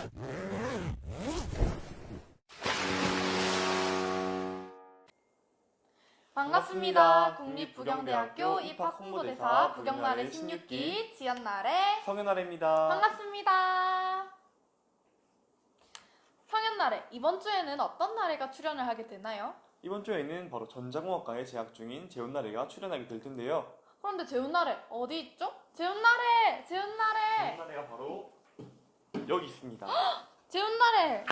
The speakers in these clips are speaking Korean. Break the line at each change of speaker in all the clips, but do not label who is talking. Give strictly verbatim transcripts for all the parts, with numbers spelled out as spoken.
반갑습니다. 국립부경대학교 입학홍보대사 부경나래 십육 기 지연나래
성현나래입니다.
반갑습니다. 성현나래, 이번 주에는 어떤 나래가 출연을 하게 되나요?
이번 주에는 바로 전자공학과에 재학 중인 재훈나래가 출연하게 될 텐데요.
그런데 재훈나래 어디 있죠? 재훈나래! 재훈나래!
재훈나래가 바로 여기 있습니다.
재훈나래!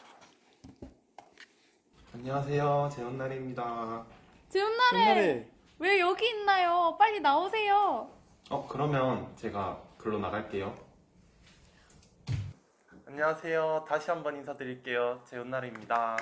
안녕하세요, 재훈나래입니다.
재훈나래! 왜 여기 있나요? 빨리 나오세요.
어, 그러면 제가 글로 나갈게요.
안녕하세요. 다시 한번 인사드릴게요. 재훈나래입니다.
와!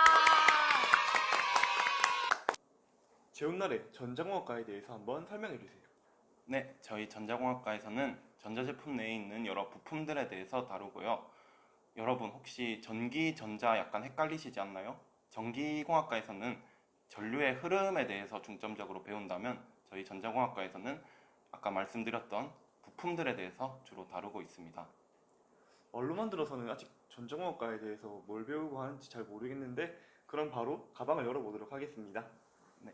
재훈나래 전자공학과에 대해서 한번 설명해 주세요.
네, 저희 전자공학과에서는 전자제품 내에 있는 여러 부품들에 대해서 다루고요. 여러분 혹시 전기, 전자 약간 헷갈리시지 않나요? 전기공학과에서는 전류의 흐름에 대해서 중점적으로 배운다면 저희 전자공학과에서는 아까 말씀드렸던 부품들에 대해서 주로 다루고 있습니다.
말로만 들어서는 아직 전자공학과에 대해서 뭘 배우고 하는지 잘 모르겠는데 그럼 바로 가방을 열어보도록 하겠습니다.
네.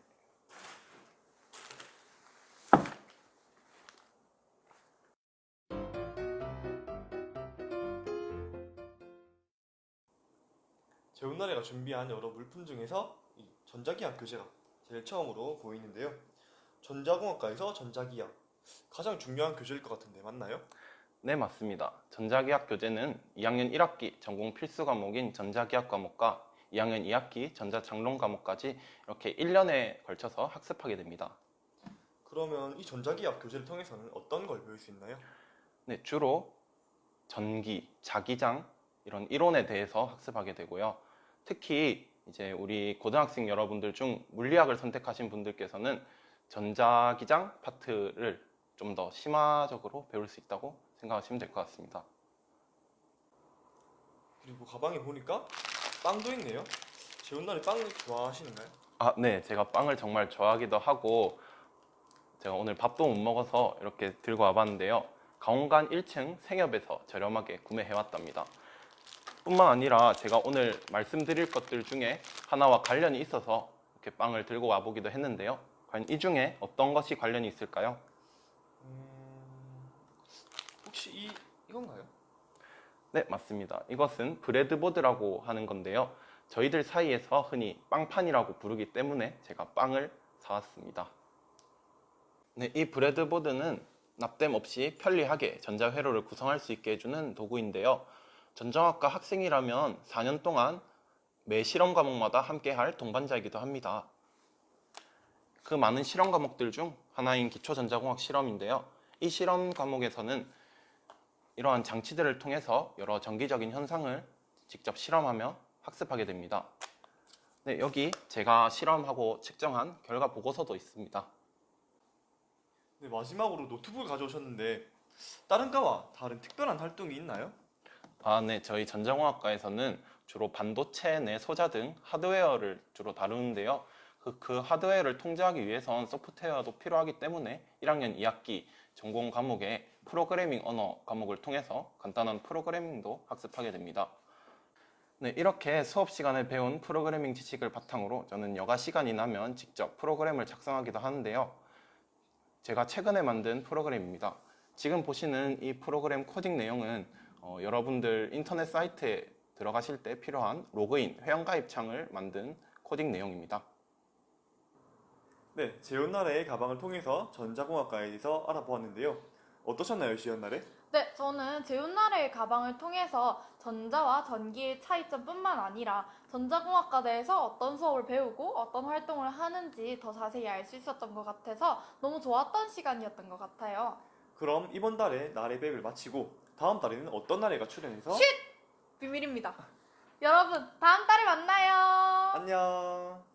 재훈나래가 준비한 여러 물품 중에서 이 전자기학 교재가 제일 처음으로 보이는데요. 전자공학과에서 전자기학 가장 중요한 교재일 것 같은데 맞나요?
네, 맞습니다. 전자기학 교재는 이 학년 일 학기 전공 필수 과목인 전자기학 과목과 이 학년 이 학기 전자장론 과목까지 이렇게 일 년에 걸쳐서 학습하게 됩니다.
그러면 이 전자기학 교재를 통해서는 어떤 걸 배울 수 있나요?
네, 주로 전기, 자기장 이런 이론에 대해서 학습하게 되고요. 특히 이제 우리 고등학생 여러분들 중 물리학을 선택하신 분들께서는 전자기장 파트를 좀 더 심화적으로 배울 수 있다고 생각하시면 될 것 같습니다.
그리고 가방에 보니까 빵도 있네요. 재훈나래 빵 좋아하시는가요?
아, 네, 제가 빵을 정말 좋아하기도 하고 제가 오늘 밥도 못 먹어서 이렇게 들고 와봤는데요. 가온관 일 층 생협에서 저렴하게 구매해왔답니다. 뿐만 아니라 제가 오늘 말씀드릴 것들 중에 하나와 관련이 있어서 이렇게 빵을 들고 와보기도 했는데요. 과연 이 중에 어떤 것이 관련이 있을까요?
음... 혹시 이, 이건가요?
네, 맞습니다. 이것은 브레드보드라고 하는 건데요. 저희들 사이에서 흔히 빵판이라고 부르기 때문에 제가 빵을 사왔습니다. 네, 이 브레드보드는 납땜 없이 편리하게 전자회로를 구성할 수 있게 해주는 도구인데요. 전자학과 학생이라면 사 년 동안 매 실험 과목마다 함께할 동반자이기도 합니다. 그 많은 실험 과목들 중 하나인 기초전자공학 실험인데요. 이 실험 과목에서는 이러한 장치들을 통해서 여러 전기적인 현상을 직접 실험하며 학습하게 됩니다. 네, 여기 제가 실험하고 측정한 결과 보고서도 있습니다.
네, 마지막으로 노트북을 가져오셨는데 다른 과와 다른 특별한 활동이 있나요?
아, 네, 저희 전자공학과에서는 주로 반도체 내 소자 등 하드웨어를 주로 다루는데요. 그, 그 하드웨어를 통제하기 위해선 소프트웨어도 필요하기 때문에 일 학년 이 학기 전공 과목의 프로그래밍 언어 과목을 통해서 간단한 프로그래밍도 학습하게 됩니다. 네, 이렇게 수업 시간에 배운 프로그래밍 지식을 바탕으로 저는 여가 시간이 나면 직접 프로그램을 작성하기도 하는데요. 제가 최근에 만든 프로그램입니다. 지금 보시는 이 프로그램 코딩 내용은 어, 여러분들 인터넷 사이트에 들어가실 때 필요한 로그인, 회원가입 창을 만든 코딩 내용입니다.
네, 재훈나래의 가방을 통해서 전자공학과에 대해서 알아보았는데요. 어떠셨나요, 지연나래?
네, 저는 재훈나래의 가방을 통해서 전자와 전기의 차이점뿐만 아니라 전자공학과 내에서 어떤 수업을 배우고 어떤 활동을 하는지 더 자세히 알 수 있었던 것 같아서 너무 좋았던 시간이었던 것 같아요.
그럼 이번 달에 나래백을 마치고 다음 달에는 어떤 나래가 출연해서
쉿! 비밀입니다. 여러분, 다음 달에 만나요.
안녕.